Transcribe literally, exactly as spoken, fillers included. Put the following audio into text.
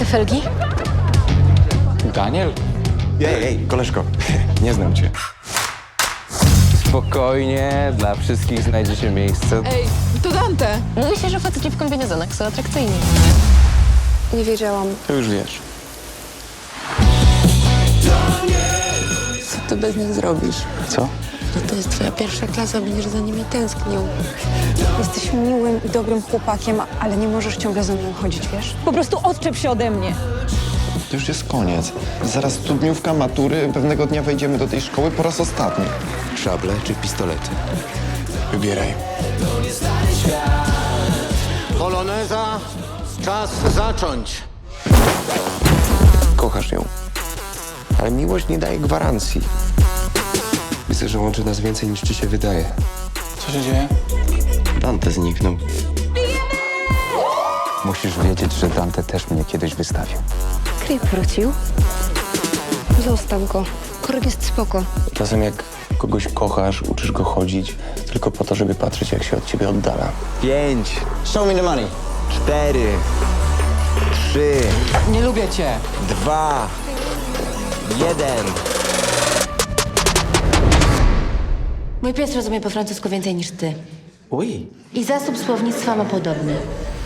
felgi? Daniel? Ej, ej, koleżko, nie znam cię. Spokojnie, dla wszystkich znajdzie się miejsce. Ej, to Dante! Mówi się, że faceci w kombinezonach są atrakcyjni. Nie wiedziałam. To już wiesz. Co ty bez nich zrobisz? Co? No to jest twoja pierwsza klasa, będziesz za nimi tęsknił. Jesteś miłym i dobrym chłopakiem, ale nie możesz ciągle za mną chodzić, wiesz? Po prostu odczep się ode mnie. To już jest koniec. Zaraz studniówka, matury, pewnego dnia wejdziemy do tej szkoły po raz ostatni. Szable czy pistolety? Wybieraj. Poloneza, czas zacząć. Kochasz ją, ale miłość nie daje gwarancji. Myślę, że łączy nas więcej niż ci się wydaje. Co się dzieje? Dante zniknął. Musisz wiedzieć, że Dante też mnie kiedyś wystawił. Klip wrócił. Zostaw go. Korek jest spoko. Czasem jak kogoś kochasz, uczysz go chodzić tylko po to, żeby patrzeć, jak się od ciebie oddala. Pięć. Show me the money. Cztery. Trzy. Nie lubię cię! Dwa. Jeden. Mój pies rozumie po francusku więcej niż ty. Oj. I zasób słownictwa ma podobny.